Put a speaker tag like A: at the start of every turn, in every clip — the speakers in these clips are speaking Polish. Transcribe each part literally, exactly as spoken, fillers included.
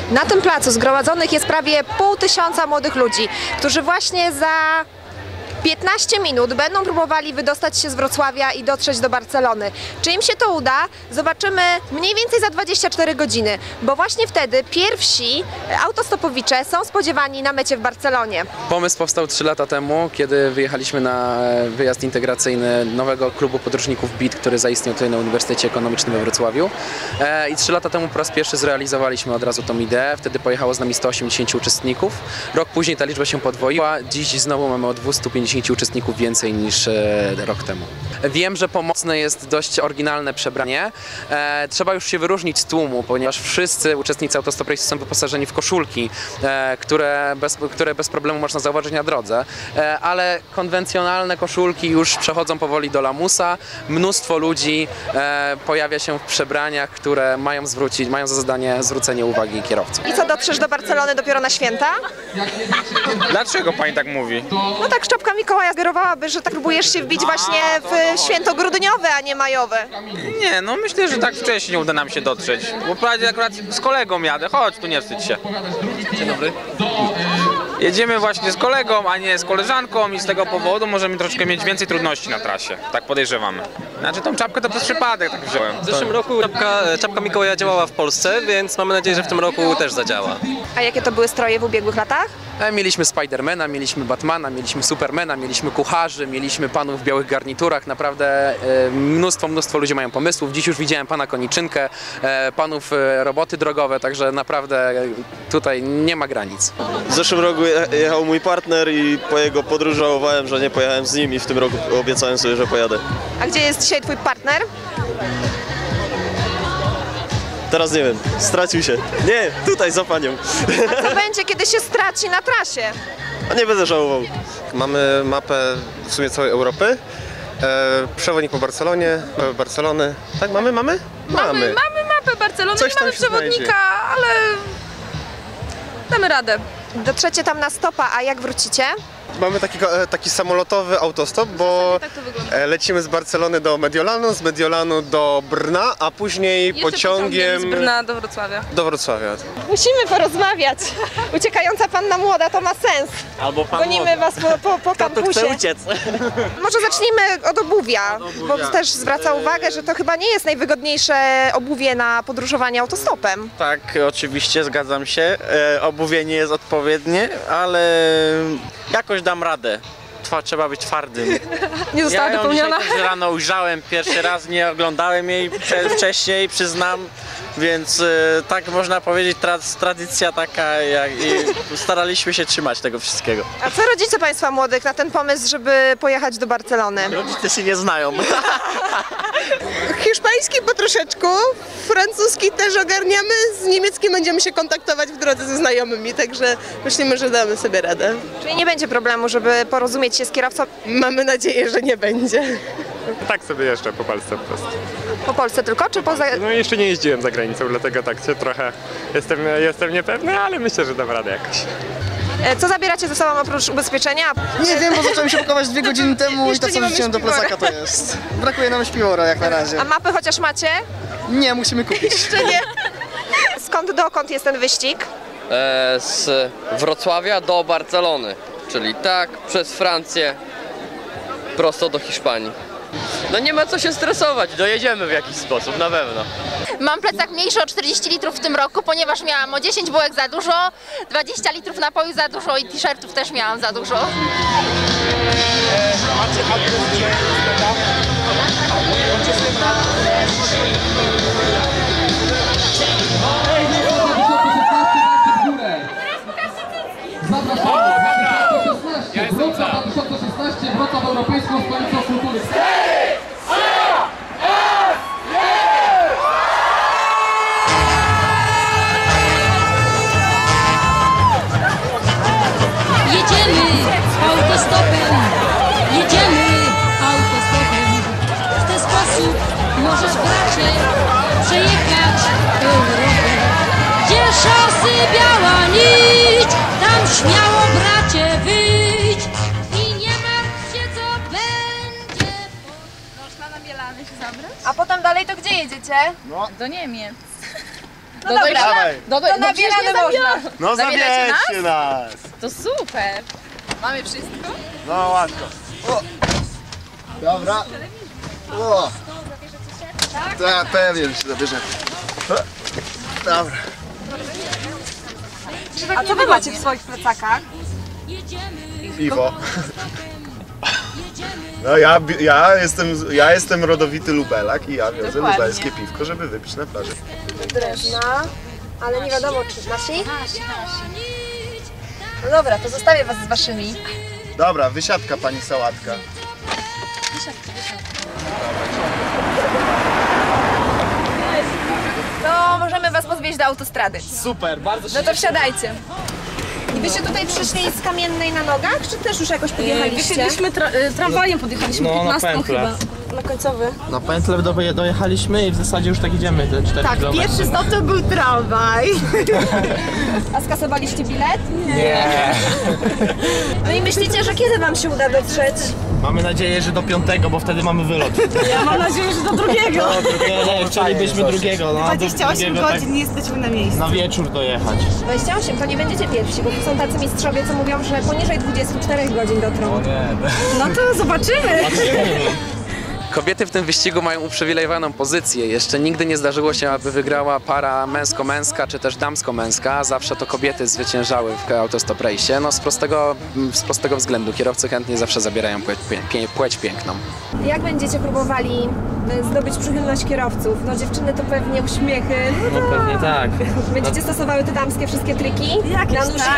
A: Na tym placu zgromadzonych jest prawie pół tysiąca młodych ludzi, którzy właśnie za piętnaście minut będą próbowali wydostać się z Wrocławia i dotrzeć do Barcelony. Czy im się to uda? Zobaczymy mniej więcej za dwadzieścia cztery godziny, bo właśnie wtedy pierwsi autostopowicze są spodziewani na mecie w Barcelonie.
B: Pomysł powstał trzy lata temu, kiedy wyjechaliśmy na wyjazd integracyjny nowego klubu podróżników B I T, który zaistniał tutaj na Uniwersytecie Ekonomicznym we Wrocławiu. I trzy lata temu po raz pierwszy zrealizowaliśmy od razu tą ideę. Wtedy pojechało z nami sto osiemdziesięciu uczestników. Rok później ta liczba się podwoiła. Dziś znowu mamy o dwieście pięćdziesięciu uczestników więcej niż rok temu. Wiem, że pomocne jest dość oryginalne przebranie. E, trzeba już się wyróżnić z tłumu, ponieważ wszyscy uczestnicy Autostop Race są wyposażeni w koszulki, e, które, bez, które bez problemu można zauważyć na drodze, e, ale konwencjonalne koszulki już przechodzą powoli do lamusa. Mnóstwo ludzi e, pojawia się w przebraniach, które mają, zwrócić, mają za zadanie zwrócenie uwagi kierowców.
A: I co, dotrzesz do Barcelony dopiero na święta?
C: Dlaczego pani tak mówi?
A: No tak, szczepka Mikołaja sugerowałaby, że tak próbujesz się wbić właśnie w święto grudniowe, a nie majowe.
C: Nie, no myślę, że tak wcześniej uda nam się dotrzeć. Bo prawie akurat z kolegą jadę, chodź tu, nie wstydź się. Dzień dobry. Jedziemy właśnie z kolegą, a nie z koleżanką i z tego powodu możemy troszkę mieć więcej trudności na trasie. Tak podejrzewamy. Znaczy tą czapkę to przez przypadek tak wziąłem.
D: W zeszłym roku czapka, czapka Mikołaja działała w Polsce, więc mamy nadzieję, że w tym roku też zadziała.
A: A jakie to były stroje w ubiegłych latach?
B: Mieliśmy Spidermana, mieliśmy Batmana, mieliśmy Supermana, mieliśmy kucharzy, mieliśmy panów w białych garniturach. Naprawdę mnóstwo, mnóstwo ludzi mają pomysłów. Dziś już widziałem pana Koniczynkę, panów roboty drogowe, także naprawdę tutaj nie ma granic.
E: W zeszłym roku jechał mój partner i po jego podróży żałowałem, że nie pojechałem z nim i w tym roku obiecałem sobie, że pojadę.
A: A gdzie jest dzisiaj twój partner?
E: Teraz nie wiem, stracił się. Nie, tutaj za panią.
A: A co będzie, kiedy się straci na trasie?
E: A nie będę żałował.
F: Mamy mapę w sumie całej Europy. E, przewodnik po Barcelonie, e, Barcelony. Tak, mamy, mamy?
G: Mamy, mamy mapę Barcelony,
F: Coś
G: nie mamy
F: tam się
G: przewodnika,
F: znajdzie.
G: ale damy radę.
A: Dotrzecie tam na stopa, a jak wrócicie?
F: Mamy taki, e, taki samolotowy autostop, bo
G: Tak to wygląda.
F: e, lecimy z Barcelony do Mediolanu, z Mediolanu do Brna, a później
G: Jeszcze
F: pociągiem
G: z Brna do Wrocławia.
F: do Wrocławia.
A: Musimy porozmawiać. Uciekająca panna młoda to ma sens.
E: Albo pan
A: Gonimy was po, po, po kampusie.
E: uciec.
A: Może zacznijmy od obuwia, bo też zwraca uwagę, że to chyba nie jest najwygodniejsze obuwie na podróżowanie autostopem.
H: Tak, oczywiście, zgadzam się. E, obuwie nie jest odpowiednie, ale jakoś dam radę. Trwa, trzeba być twardym.
G: Nie została
H: Ja ją
G: dopełniona.
H: dzisiaj też rano ujrzałem pierwszy raz, nie oglądałem jej prze, wcześniej, przyznam. Więc e, tak można powiedzieć, tra, tradycja taka, jak, i staraliśmy się trzymać tego wszystkiego.
A: A co rodzice państwa młodych na ten pomysł, żeby pojechać do Barcelony?
H: Rodzice się nie znają.
I: Hiszpański po troszeczku, francuski też ogarniamy, z niemieckim będziemy się kontaktować w drodze ze znajomymi, także myślimy, że damy sobie radę.
A: Czyli nie będzie problemu, żeby porozumieć się z kierowcą
I: Mamy nadzieję, że nie będzie.
J: Tak sobie jeszcze po Polsce po prostu.
A: po Polsce tylko, czy poza...
J: No jeszcze nie jeździłem za granicą, dlatego tak się trochę jestem, jestem niepewny, ale myślę, że dam radę jakoś.
A: E, Co zabieracie ze sobą oprócz ubezpieczenia?
K: Nie wiem, bo zacząłem się pakować dwie godziny temu i to,
A: nie
K: co
A: mamy
K: wrzuciłem do
A: śpiwora.
K: plecaka, to jest. Brakuje nam śpiwora jak na razie.
A: A mapy chociaż macie?
K: Nie, musimy kupić.
A: Czy nie? Skąd dokąd jest ten wyścig?
L: E, z Wrocławia do Barcelony, czyli tak przez Francję prosto do Hiszpanii. No nie ma co się stresować, dojedziemy w jakiś sposób, na pewno.
M: Mam plecak mniejszy o czterdzieści litrów w tym roku, ponieważ miałam o dziesięć bułek za dużo, dwadzieścia litrów napoju za dużo i t-shirtów też miałam za dużo.
N: Wrocław dwa tysiące szesnaście, Wrocław Europejską Stolicą Kultury.
O: Jedziemy autostopem, jedziemy autostopem. W ten sposób możesz, bracie, przejechać Europę. Gdzie szosy biała nić, tam śmiało, bracie, wyjdź. I nie martw się, co będzie.
G: Można na Bielany się zabrać?
A: A potem dalej to gdzie jedziecie?
G: Do Niemiec.
A: No dobra,
G: Dawaj.
A: no, to na wiele można.
G: No
A: Zabieracie
G: zabierzcie nas.
M: To super. Mamy wszystko?
G: No łatwo. O. Dobra. O. Tak, pewnie, że się zabierzemy. Dobra.
A: A co wy macie w swoich plecakach?
G: Piwo. No ja, ja, jestem, ja jestem rodowity lubelak i ja wiozę
A: Dokładnie.
G: lubelskie piwko, żeby wypić na plaży.
A: Drewna, ale nie wiadomo czy nasi? No dobra, to zostawię was z waszymi.
G: Dobra, wysiadka pani sałatka.
A: To możemy was podwieźć do autostrady.
P: Super, bardzo się
A: No to wsiadajcie. I wyście tutaj przyszli z Kamiennej na nogach, czy też już jakoś podjechaliście?
Q: Wysiedliśmy tra tramwajem, podjechaliśmy
P: No, na
Q: piętnastką
P: pętlę.
Q: chyba.
A: Na końcowy.
P: Na pętlę do, dojechaliśmy i w zasadzie już tak idziemy te cztery
A: Tak,
P: kilometry.
A: pierwszy stop to był tramwaj. A skasowaliście bilet?
P: Nie.
A: No i myślicie, że kiedy wam się uda dotrzeć?
P: Mamy nadzieję, że do piątego, bo wtedy mamy wylot.
Q: Ja mam nadzieję, że do drugiego.
P: Nie, nie, chcielibyśmy drugiego. No,
I: dwadzieścia osiem
P: drugiego,
I: godzin nie jesteśmy na miejscu.
P: Tak, na wieczór dojechać.
A: dwadzieścia osiem, to nie będziecie pierwsi, bo tu są tacy mistrzowie, co mówią, że poniżej dwudziestu czterech godzin dotrą.
Q: No to zobaczymy.
B: Kobiety w tym wyścigu mają uprzywilejowaną pozycję. Jeszcze nigdy nie zdarzyło się, aby wygrała para męsko-męska czy też damsko-męska. Zawsze to kobiety zwyciężały w Autostop Race. No z prostego, z prostego względu. Kierowcy chętnie zawsze zabierają płeć, pie, płeć piękną.
A: Jak będziecie próbowali zdobyć przychylność kierowców? No dziewczyny to pewnie uśmiechy.
P: No pewnie tak.
A: Będziecie stosowały te damskie wszystkie triki?
Q: Jakieś
A: Na nóżkę?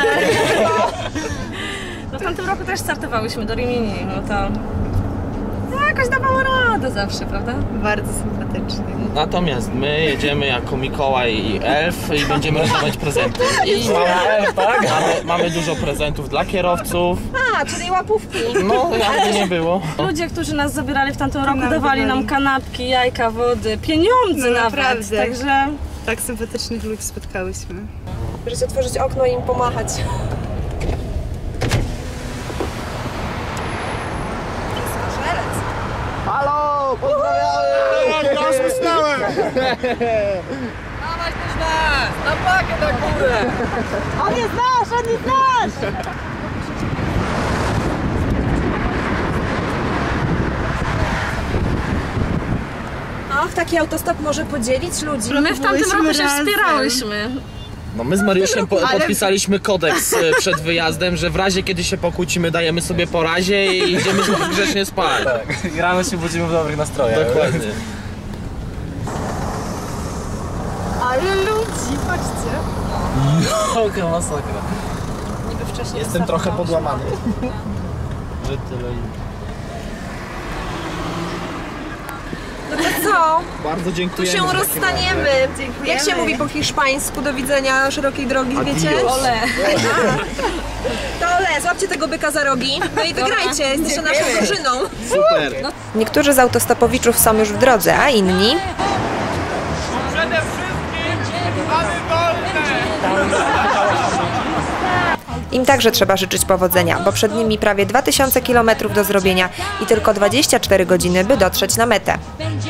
Q: No w tamtym roku też startowałyśmy do Rimini, no to no, jakoś dawało radę zawsze, prawda?
I: Bardzo sympatycznie.
P: Natomiast my jedziemy jako Mikołaj i Elf i będziemy rozdawać prezenty. I mamy, tak? mamy, mamy dużo prezentów dla kierowców.
A: A, czyli łapówki.
P: No, jakby nie było.
Q: Ludzie, którzy nas zabierali w tamtym roku, dawali nam kanapki, jajka, wody, pieniądze
I: No
Q: nawet,
I: naprawdę.
Q: także...
I: Tak sympatycznych ludzi spotkałyśmy.
A: Możecie otworzyć okno i im pomachać.
G: Halo, pozdrawiamy! Ja usnąłem!
L: Dawaj też nas! Na pakę na górę!
A: On jest nasz, on jest nasz! Och, taki autostop może podzielić ludzi.
Q: My w tamtym roku się
I: razem.
Q: wspierałyśmy.
P: No my z Mariuszem po,
I: Ale-
P: podpisaliśmy kodeks e, przed wyjazdem, że w razie kiedy się pokłócimy, dajemy sobie po razie i idziemy grzecznie spać.
R: Tak. I rano się budzimy w dobrych nastrojach.
P: Dokładnie.
A: Ale ludzi, patrzcie.
R: Jaka masakra.
A: Niby wcześniej
P: Jestem trochę podłamany.
R: Że tyle.
A: No to co?
P: Bardzo
A: Tu
P: dziękujemy.
A: się
P: w takim
A: rozstaniemy.
I: Dziękujemy.
A: Jak się mówi po hiszpańsku do widzenia szerokiej drogi, wiecie?
P: Adios.
A: Ole. To ole, złapcie tego byka za rogi. No i wygrajcie, jesteście naszą drużyną.
P: Super.
A: Niektórzy z autostopowiczów są już w drodze, a inni...
L: Przede wszystkim mamy wolne!
A: Im także trzeba życzyć powodzenia, bo przed nimi prawie dwa tysiące kilometrów do zrobienia i tylko dwadzieścia cztery godziny, by dotrzeć na metę.
O: Będzie